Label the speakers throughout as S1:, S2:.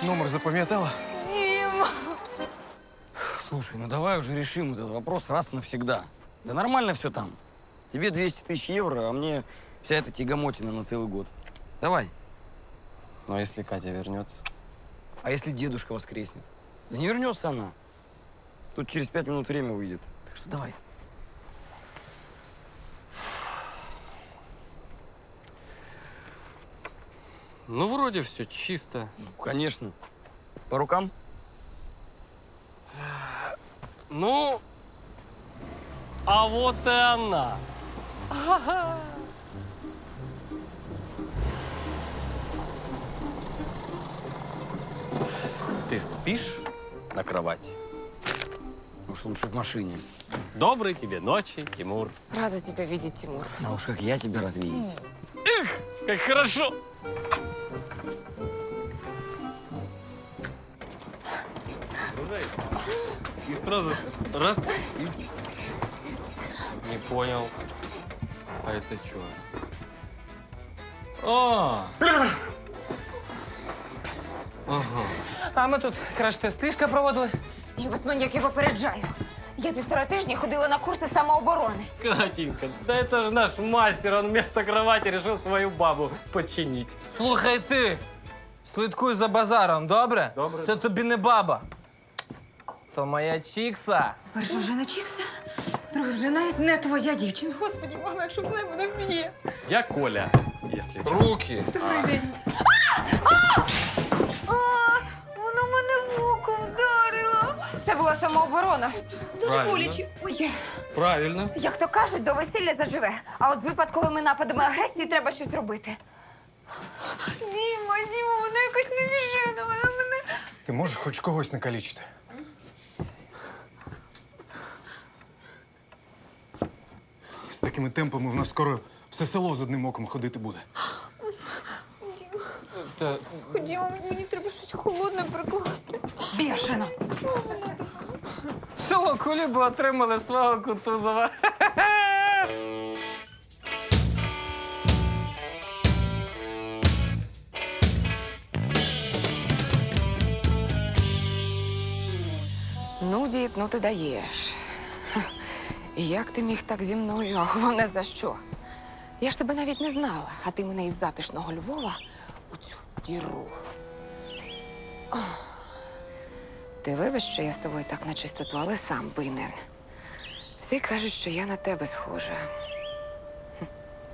S1: номер запам'ятала?
S2: Дима!
S3: Слушай, ну давай уже решим этот вопрос раз и навсегда. Да нормально все там. Тебе 200 тысяч евро, а мне вся эта тягомотина на целый год. Давай.
S4: Но если Катя вернется?
S3: А если дедушка воскреснет? Да не вернется она. Тут через 5 минут время выйдет. Так что давай.
S4: Ну, вроде все чисто.
S3: Ну, конечно. По рукам?
S4: Ну, а вот и она. Ты спишь на кровати?
S3: Уж лучше в машине.
S4: Доброй тебе ночи, Тимур.
S2: Рада тебя видеть, Тимур.
S3: А уж как я тебя рад видеть.
S4: Как хорошо. И сразу раз и все. Не понял. А это что? А! Ага.
S5: А ми тут краш-тест ліжка проводили.
S2: Я вас, маньяки, попереджаю. Я 1,5 тижня ходила на курси самооборони.
S4: Катенька, да это же наш мастер, он вместо кровати решил свою бабу починить.
S5: Слухай ти, слідкуй за базаром, добре?
S4: Добре.
S5: Це тобі не баба. То моя чікса.
S2: Перше, вже не чіпся. Друге, вже навіть не твоя дівчина. Господи, мама, якщо знає, мене вб'є.
S4: Я Коля, если что.
S5: Руки.
S2: Добрий день. Воно мене в око вдарило. Це була самооборона. Дуже
S4: Правильно.
S2: боляче. Ой,
S4: Правильно.
S2: як то кажуть, до весілля заживе. А от з випадковими нападами агресії треба щось робити. Діма, вона якось невіжена, вона мене...
S1: Ти можеш хоч когось накалічити? З такими темпами в нас скоро все село з одним оком ходити буде.
S4: Та,
S2: Ходімо, мені треба щось холодне прикласти. Бешено. Чого вона до мене?
S5: Село Куліби отримали свого Кутузова.
S2: Ну, дід, ну ти даєш. І як ти міг так зі мною, а головне за що? Я ж тебе навіть не знала, а ти мене із затишного Львова у цю діру. Ох. Ти вибач, що я з тобою так на чистоту, але сам винен. Всі кажуть, що я на тебе схожа. Хм.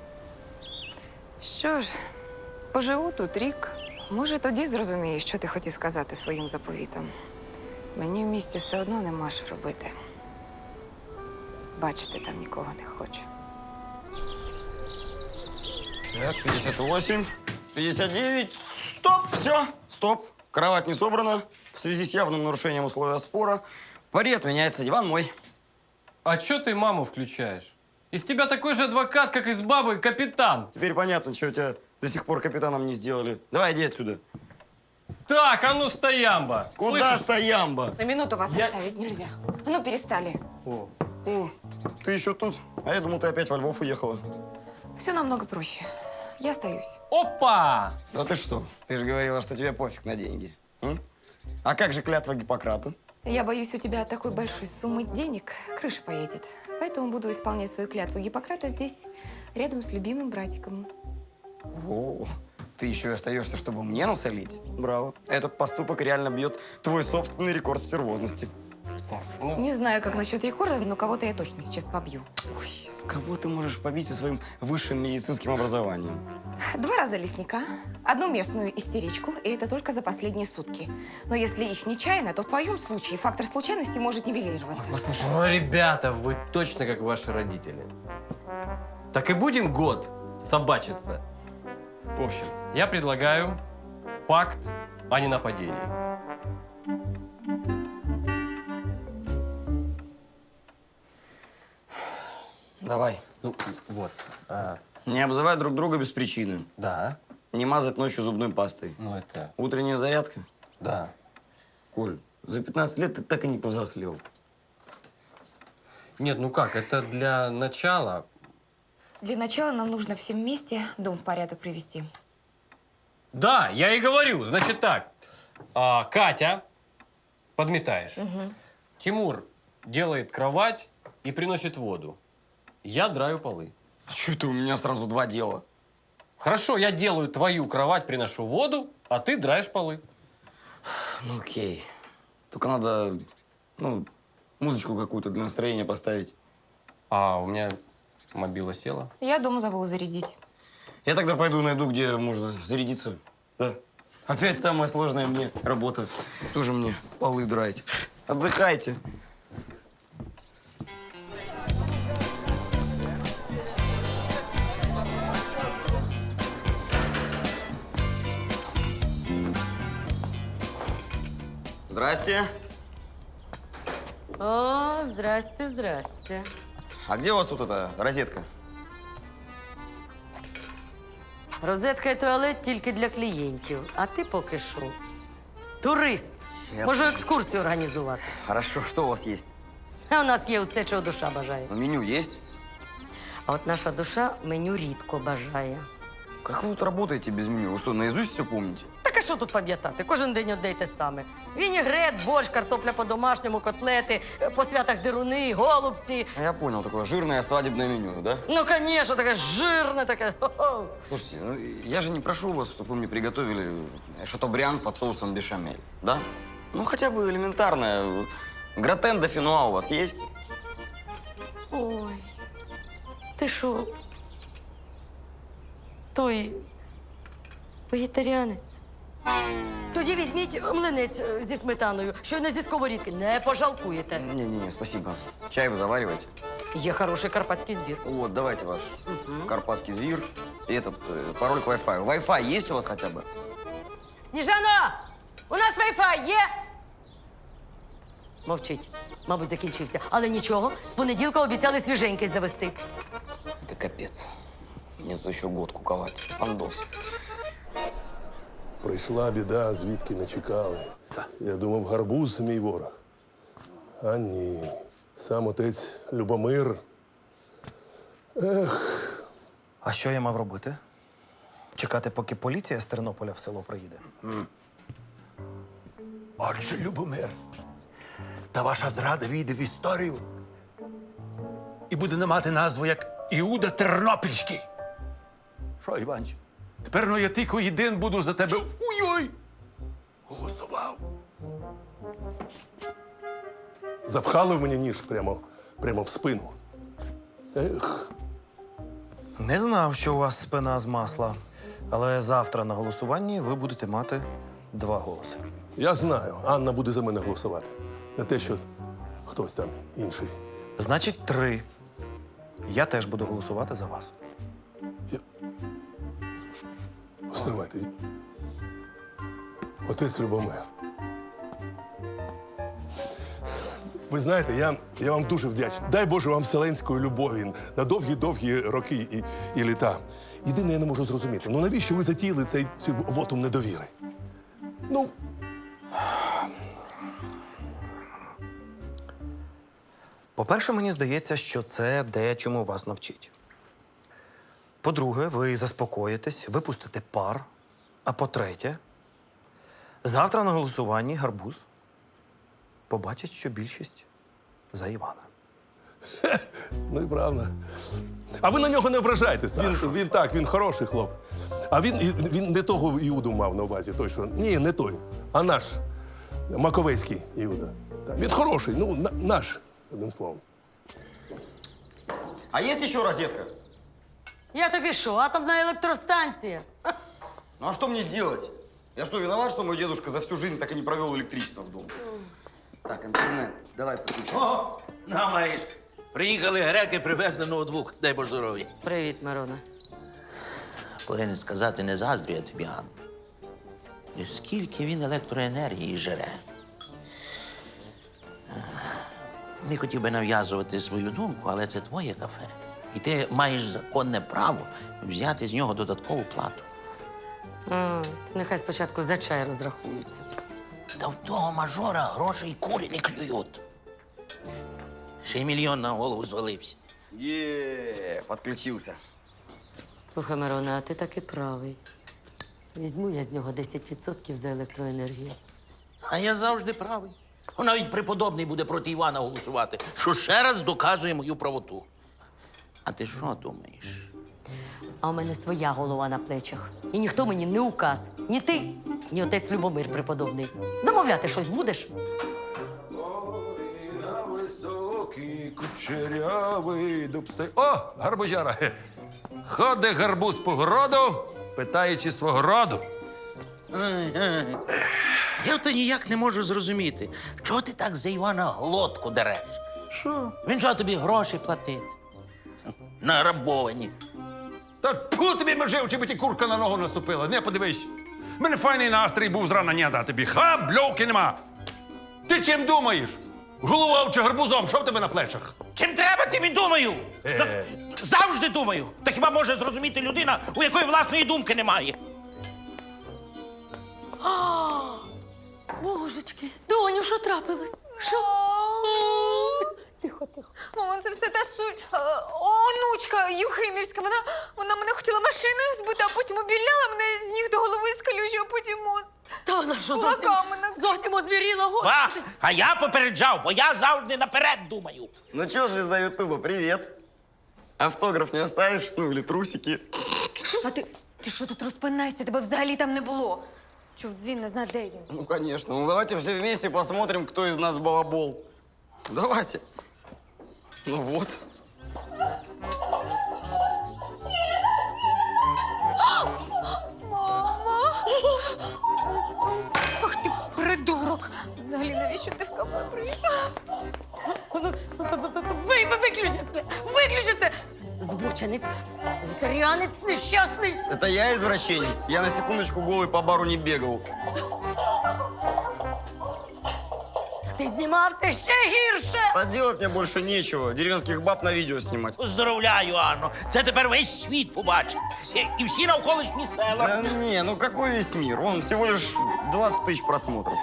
S2: Що ж, поживу тут рік. Може, тоді зрозумієш, що ти хотів сказати своїм заповітом. Мені в місті все одно нема що робити. Бачити там нікого не хочу.
S3: Так, 58, 59, стоп, все, стоп. Кровать не собрана. В связи с явным нарушением условия спора, пари отменяется, диван мой.
S4: а чё ты маму включаешь? Из тебя такой же адвокат, как из бабы капитан.
S3: Теперь понятно, что тебя до сих пор капитаном не сделали. Давай, иди отсюда.
S4: Так, а ну стоямба.
S3: Куда
S4: Слышишь?
S3: стоямба?
S2: На минуту вас
S4: Я-
S2: оставить нельзя. А ну, перестали.
S4: О,
S3: О, ты еще тут? А я думал, ты опять во Львов уехала.
S2: Все намного проще. Я остаюсь.
S4: Опа!
S3: Да ты что? Ты же говорила, что тебе пофиг на деньги. М? А как же клятва Гиппократа?
S2: Я боюсь, у тебя от такой большой суммы денег крыша поедет. Поэтому буду исполнять свою клятву Гиппократа здесь, рядом с любимым братиком.
S3: О, ты еще и остаешься, чтобы мне насолить? Браво. Этот поступок реально бьет твой собственный рекорд стервозности.
S4: Ну,
S2: Не знаю, как насчет рекордов, но кого-то я точно сейчас побью.
S3: Ой, кого ты можешь побить со своим высшим медицинским образованием?
S2: 2 раза лесника, 1 местную истеричку, и это только за последние сутки. Но если их нечаянно, то в твоем случае фактор случайности может нивелироваться.
S4: послушай, ну, ребята, вы точно как ваши родители. Так и будем год собачиться. В общем, я предлагаю пакт о ненападении.
S3: Давай.
S4: Ну, вот.
S3: Не обзывай друг друга без причины.
S4: Да.
S3: Не мазать ночью зубной пастой.
S4: Ну, это...
S3: Утренняя зарядка.
S4: Да.
S3: Коль, за 15 лет ты так и не повзрослел.
S4: Нет, ну как, это для начала.
S2: Для начала нам нужно всем вместе дом в порядок привести.
S4: Да, я и говорю. Значит так, Катя, подметаешь. Тимур делает кровать и приносит воду. Я драю полы.
S3: А что это у меня сразу два дела?
S4: Хорошо, я делаю твою кровать, приношу воду, а ты драешь полы.
S3: Ну, окей. Только надо, музычку какую-то для настроения поставить.
S4: А у меня мобила села.
S2: Я дома забыла зарядить.
S3: Я тогда пойду найду, где можно зарядиться. Да. Опять самая сложная мне работа. Тоже мне полы драть. Отдыхайте. Здрасте.
S6: О, здрасте, здрасте.
S3: А где у вас тут эта розетка?
S6: Розетка і туалет тільки для клієнтів. А ти поки що турист.
S3: Я
S6: Можу екскурсію організувати.
S3: Хорошо, что у вас есть?
S6: А у нас є все, чого душа бажає.
S3: Меню есть?
S6: А от наша душа меню рідко бажає.
S3: Как вы тут работаете без меню? Вы что, наизусть все помните?
S6: Так а що тут пам'ятати? Кожен день одне й те саме. Вінігрет, борщ, картопля по-домашньому, котлети, по святах деруни, голубці.
S3: Я понял, такое жирное свадебное меню, да?
S6: Ну, звісно, таке жирне, таке. Хо-хо.
S3: Слушайте, я же не прошу вас, чтобы вы мне приготовили шатобриан под соусом бешамель, да? Ну, хотя бы элементарное. Гратен де финуа у вас есть?
S6: Ой, ти що? Той вегетаріанець. Тоді візьміть млинець зі сметаною, щойно зі сковорідки. Не пожалкуєте.
S3: Не-не-не, спасибо. Чай вы завариваете?
S6: Є хороший карпатський збір.
S3: Вот, давайте ваш карпатский звир и этот пароль к Wi-Fi. Wi-Fi есть у вас хотя бы?
S6: Сніжано! У нас Wi-Fi є? Мовчить. Мабуть, закінчився. Але нічого, з понеділка обіцяли свіженький завести.
S3: Это капец. Мне тут еще год куковать. Пандос.
S7: Прийшла біда, звідки не чекали. Я думав, гарбуз мій ворог. А ні. Сам отець Любомир.
S8: А що я мав робити? Чекати, поки поліція з Тернополя в село приїде?
S9: Отже, Любомир, та ваша зрада війде в історію і буде не мати назву як Іуда Тернопільський. Що, Іванчо, тепер я тільки єдин буду за тебе уй-ой голосував.
S7: Запхали в мені ніж прямо в спину. Ех,
S8: Не знав, що у вас спина з масла. Але завтра на голосуванні ви будете мати 2 голоси.
S7: я знаю, Анна буде за мене голосувати. Не те, що хтось там інший.
S8: Значить, 3. Я теж буду голосувати за вас.
S7: Постривайте. Отець Любомир. Ви знаєте, я вам дуже вдячний. Дай Боже вам вселенської любові на довгі-довгі роки і літа. Єдине, я не можу зрозуміти, навіщо ви затіяли цей вотум недовіри? Ну,
S8: По-перше, мені здається, що це дечому вас навчить. По-друге, ви заспокоїтесь, випустите пар. А по-третє, завтра на голосуванні гарбуз побачить, що більшість за Івана.
S7: ну і правда. А ви на нього не ображайтесь. Він хороший хлоп. А він не того Іуду мав на увазі. Той, що... Ні, не той, а наш Маковецький Іуда. Він хороший, наш, одним словом.
S3: А есть еще розетка?
S6: Я тобі що, атомна електростанція?
S3: Ну а что мне делать? Я что, виноват, что мой дедушка за всю жизнь так и не провел электричество в дом? Так, интернет, давай подключайся.
S9: О, на, маєш. Приїхали греки, привезли ноутбук. Дай Боже здоров'я.
S6: Привіт, Мирона.
S10: Повинен сказати, не заздрю я тобі, Анна. І скільки він електроенергії жере. Не хотів би нав'язувати свою думку, але це твоє кафе. І ти маєш законне право взяти з нього додаткову плату.
S6: Нехай спочатку за чай розрахуються.
S10: Та в того мажора грошей курі не клюють. Ще й мільйон на голову звалився.
S3: Подключился.
S6: Слухай, Мирона, а ти таки правий. Візьму я з нього 10% за електроенергію.
S10: А я завжди правий. Навіть преподобний буде проти Івана голосувати, що ще раз доказує мою правоту. А ти що думаєш?
S6: А у мене своя голова на плечах. І ніхто мені не указ. Ні ти, ні отець Любомир преподобний. Замовляти щось будеш?
S9: На високий кучерявий дуб стоїть. О, гарбузяра! Ходить гарбуз по городу, питаючи свого роду.
S10: Я то ніяк не можу зрозуміти, чого ти так за Івана глотку дереш? Що? Він що тобі гроші платить? Награбовані.
S9: Та тьфу тобі межив, чи би ті курка на ногу наступила. Не, подивись. У мене файний настрій був зрана дня тобі. Бльовки нема. Ти чим думаєш? Головою чи гарбузом? Що в тебе на плечах?
S10: Чим треба, тим і думаю. Завжди думаю. Та хіба може зрозуміти людина, у якої власної думки немає?
S6: Божечки, доню, що трапилось? Що? Тихо, тихо.
S2: Мама, це все та онучка Юхимівська. Вона мене хотіла машиною збити, а потім обіляла мене з ніг до голови з калюжі, а потім от.
S6: Та вона що
S2: Кулаками
S6: зовсім озвіріла, господи.
S10: А я попереджав, бо я завжди наперед думаю.
S3: Ну чё, звезда Ютуба, привет. Автограф не оставишь? Ну, или трусики?
S2: А ти що тут розпинайся? Тебе взагалі там не було. Чув дзвін, не знаю, де він.
S3: Ну, конечно. Ну, давайте все вместе посмотрим, кто из нас балабол. Давайте. Ну вот.
S2: Ах ти придурок! Взагалі, навіщо ти в кафе прийшов?
S6: Виключи це! Виключи це! Збоченець, вегетаріанець нещасний.
S3: Это я извращенец. Я на секундочку голый по бару не бегал.
S6: Ти знімав це ще гірше!
S3: Поделать мне больше нечего. Деревенских баб на видео снимать.
S10: Поздравляю, Анно. Це тепер весь світ побачить. І всі навколишні села.
S3: Да не, ну какой весь мир? Он всего лишь 20 тысяч просмотров.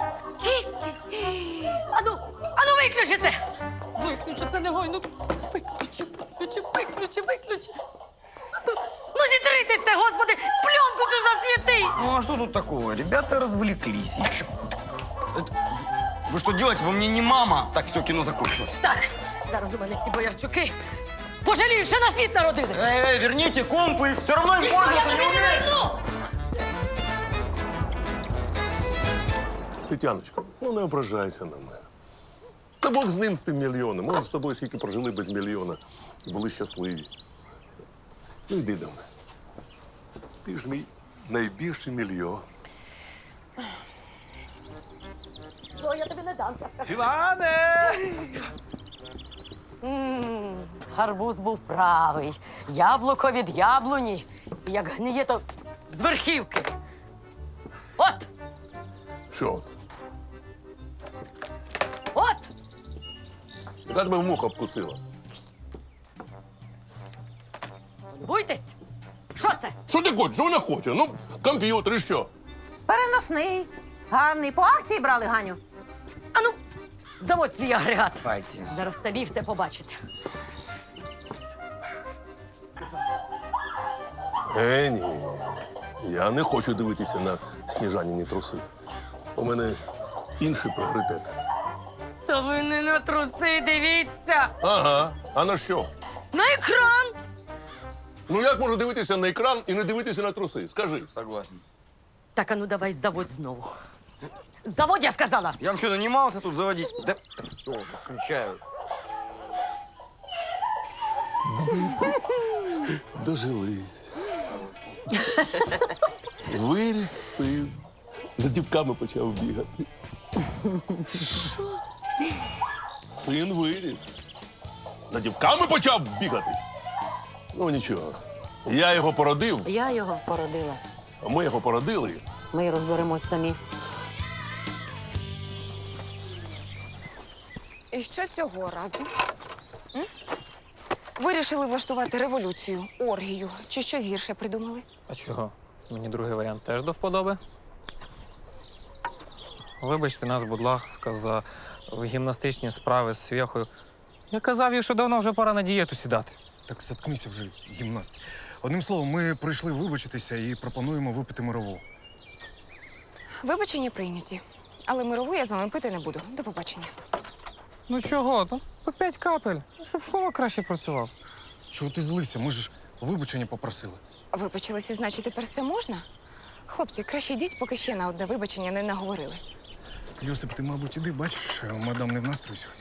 S6: Ану, виключи це! Виключи це негайно. Виключи. Ну зітрити це, господи! Пленку цю засвіти!
S3: Ну а что тут такого? Ребята развлеклись. И чё? Вы что делаете? Вы мне не мама. Так, все, кино закончилось.
S6: Так, зараз у мене ці боярчуки пожаліють, що на світ народились.
S3: Верните компы. Все равно им
S6: І що, я
S3: пользоваться не
S6: тобі не
S3: умеете.
S6: верну?
S7: Тетяночка, ну не ображайся на мене. Та Бог з ним, з тим мільйоном. Ми з тобою скільки прожили без мільйона і були щасливі. Ну йди до мене. Ти ж мій найбільший мільйон.
S6: Що, я тобі не дам.
S9: Іване!
S6: Гарбуз був правий. Яблуко від яблуні. І як гниє, то з верхівки. От!
S7: Що от?
S6: От!
S7: Яка тебе муха обкусила?
S6: Буйтесь! Що це?
S7: Що ти хочеш? Що вона хоче? Ну, комп'ютер і що?
S11: Переносний. Гарний. По акції брали, Ганю?
S6: Ану, заводь свій агрегат.
S3: Давайте.
S6: Зараз самі все побачите.
S7: Ні. Я не хочу дивитися на сніжаніні труси. У мене інший пріоритет.
S6: Та ви не на труси дивіться!
S7: Ага. А на що?
S6: На екран!
S7: Ну як можу дивитися на екран і не дивитися на труси? Скажи.
S3: Согласен.
S6: Так, ану давай заводь знову. Заводь, я сказала!
S3: Я вам что, нанимался тут заводить? Да все, включаю.
S7: Дожились. Виріс син. За дівками почав бігати. Син виріс. За дівками почав бігати. Ну нічого. Я його породив,
S11: Я його породила.
S7: а ми його породили.
S11: Ми розберемось самі.
S2: І що цього разу? Вирішили влаштувати революцію, оргію чи щось гірше придумали?
S5: А чого? Мені другий варіант теж до вподоби. Вибачте нас, будь ласка, за гімнастичні справи з свєхою. Я казав їй, що давно вже пора на дієту сідати.
S1: Так заткнися вже, гімнаст. Одним словом, ми прийшли вибачитися і пропонуємо випити мирову.
S2: Вибачення прийняті. Але мирову я з вами пити не буду. До побачення.
S5: Ну чого? Ну, по 5 капель. Ну, щоб шлунок краще працював.
S1: Чого ти злися? Ми ж вибачення попросили.
S2: Вибачилися, значить, тепер все можна? Хлопці, краще йдіть, поки ще на одне вибачення не наговорили.
S1: Йосип, ти, мабуть, іди, бачиш, мадам не в настрої сьогодні.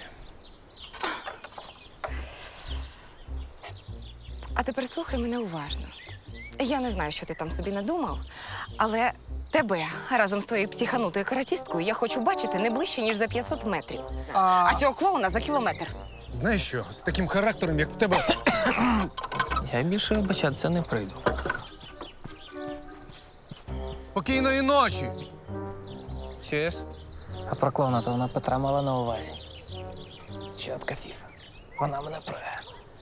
S2: А тепер слухай мене уважно. Я не знаю, що ти там собі надумав, але тебе разом з твоєю психанутою каратісткою я хочу бачити не ближче, ніж за 500 метрів. А цього клоуна за кілометр.
S1: Знаєш що, з таким характером, як в тебе.
S5: Я більше вибачатися не прийду.
S1: Спокійної ночі!
S5: Чуєш? А про клоуна то вона Петра мала на увазі. Чотка фіфа. Вона мене пре.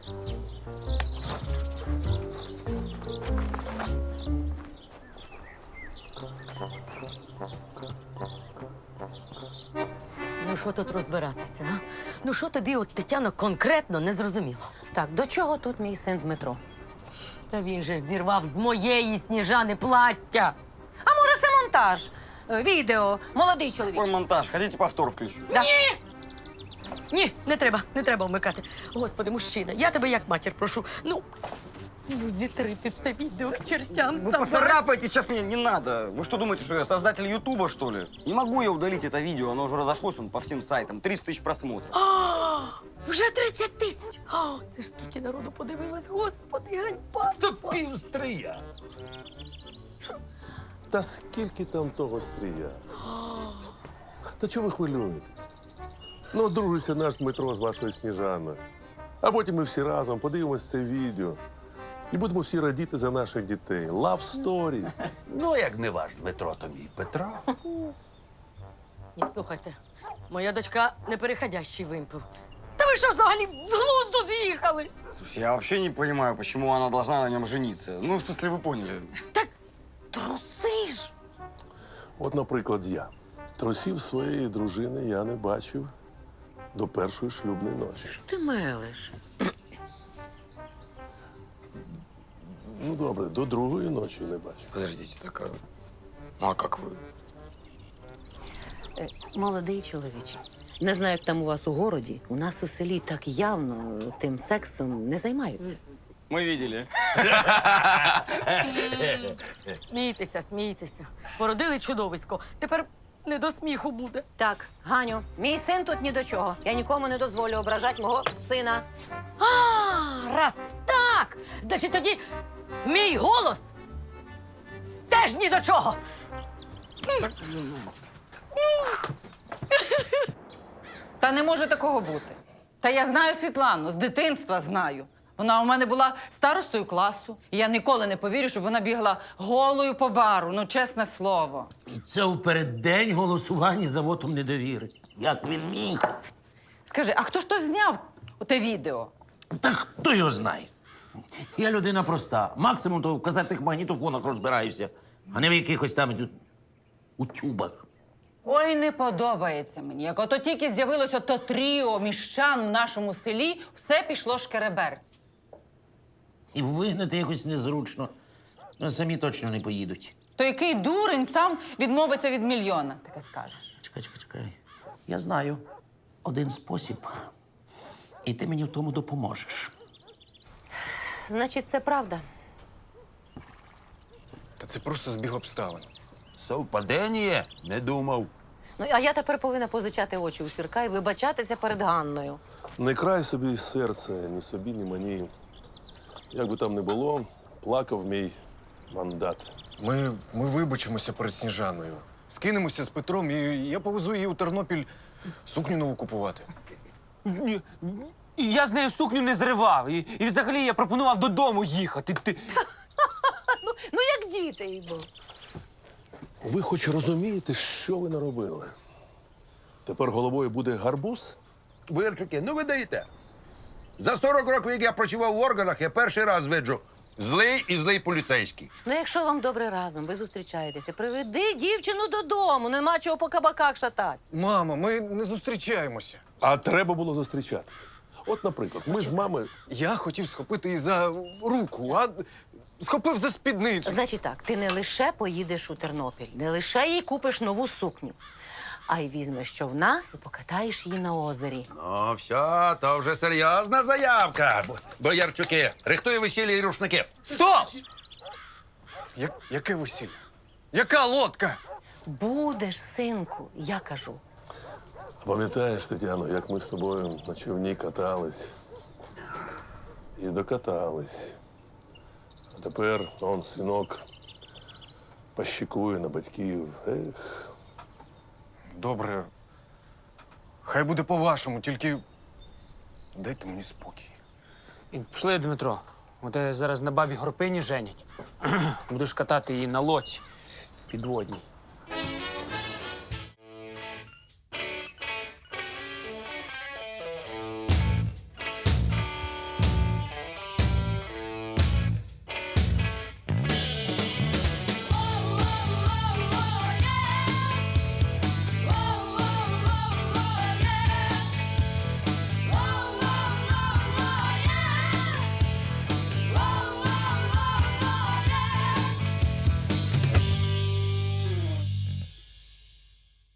S6: Ну що тут розбиратися, а? Ну що тобі, от, Тетяно, конкретно не зрозуміло?
S11: Так, до чого тут мій син Дмитро?
S6: Та він же ж зірвав з моєї Сніжани плаття.
S11: А може, це монтаж? Відео, молодий чоловік.
S3: Какой монтаж? Хотите повтор включу?
S6: Ні, не треба вмикати. Господи, мужчина, я тебе як матір прошу. Ну зітри ти це відео к чертям
S3: Вы
S6: собак.
S3: поцарапаете сейчас мне, не надо. Вы что думаете, что я создатель Ютуба, что ли? Не могу я удалить это видео, оно уже разошлось по всем сайтам. 30 тысяч просмотров.
S6: Вже 30 тисяч. О, це ж скільки народу подивилось. Господи, ганьба.
S9: Та півстрия.
S7: Та скільки там того стрія? Та чого ви хвилюєтесь? Ну, одружиться наш Дмитро з вашою Сніжаною. А потім ми всі разом подивимось це відео. І будемо всі радіти за наших дітей. Love story.
S9: Ну, як не ваш Дмитро, то мій Петро.
S6: Ні, слухайте, моя дочка непереходящий вимпел. Та ви що взагалі з глузду з'їхали?
S3: Слушай, я вообще не понимаю, почему она должна на нем жениться. Ну, в смысле, вы поняли.
S6: Труси ж.
S7: От, наприклад, я. Трусів своєї дружини я не бачив до першої шлюбної ночі.
S11: Ти мелиш.
S7: Ну, добре, до другої ночі не бачив.
S3: Подождите, так а как вы?
S11: Молодий чоловіче. Не знаю, як там у вас у городі. У нас у селі так явно тим сексом не займаються.
S3: Мы видели.
S6: Смійтеся, смійтеся. Породили чудовисько. Тепер не до сміху буде.
S11: Так, Ганю, мій син тут ні до чого. Я нікому не дозволю ображати мого сина.
S6: А, раз так! Значить, тоді мій голос теж ні до чого.
S12: Та не може такого бути. Та я знаю Світлану, з дитинства знаю. Вона у мене була старостою класу. І я ніколи не повірю, щоб вона бігла голою по бару, ну чесне слово.
S10: І це у переддень голосування за вотом недовіри. Як він міг?
S12: Скажи, а хто ж то зняв те відео?
S10: Та хто його знає? Я людина проста. Максимум то в казетних магнітофонах розбираюся, а не в якихось там утюбах.
S12: Ой, не подобається мені. Як ото тільки з'явилось ото тріо міщан в нашому селі, все пішло шкереберть.
S10: І вигнати якось незручно. Ну, самі точно не поїдуть.
S12: То який дурень сам відмовиться від мільйона, таке скажеш.
S10: Чекай. Я знаю один спосіб. І ти мені в тому допоможеш.
S11: Значить, це правда.
S1: Та це просто збіг обставин.
S9: Совпадення? Не думав.
S11: Ну, а я тепер повинна позичати очі у Сірка і вибачатися перед Ганною.
S7: Не край собі серце, ні собі, ні мені. Як би там не було, плакав мій мандат.
S1: Ми вибачимося перед Сніжаною. Скинемося з Петром, і я повезу її у Тернопіль сукню нову купувати.
S5: І я з нею сукню не зривав. І взагалі я пропонував додому їхати.
S11: Ну, як діти йду.
S7: Ви хоч розумієте, що ви наробили? Тепер головою буде гарбуз?
S9: Вирчуки, ну ви даєте. За 40 років, як я працював в органах, я перший раз виджу злий поліцейський.
S11: Ну, якщо вам добре разом, ви зустрічаєтеся, приведи дівчину додому, нема чого по кабаках шататися.
S1: Мама, ми не зустрічаємося.
S7: А треба було зустрічатись. От, наприклад, ми з мамою.
S1: Я хотів схопити її за руку, а схопив за спідницю.
S11: Значить так, ти не лише поїдеш у Тернопіль, не лише їй купиш нову сукню, а й візьмеш човна і покатаєш її на озері.
S9: Ну, все, то вже серйозна заявка. Боярчуки, рихтуй весілля і рушники.
S1: Стоп! Яке весілля? Яка лодка?
S11: Будеш, синку, я кажу.
S7: Пам'ятаєш, Тетяно, як ми з тобою на човні катались і докатались. А тепер он синок пощікує на батьків. Ех.
S1: Добре. Хай буде по-вашому, тільки дайте мені спокій.
S5: І пішли, Дмитро. Тебе зараз на бабі Горпині женять. Будеш катати її на лодці підводній.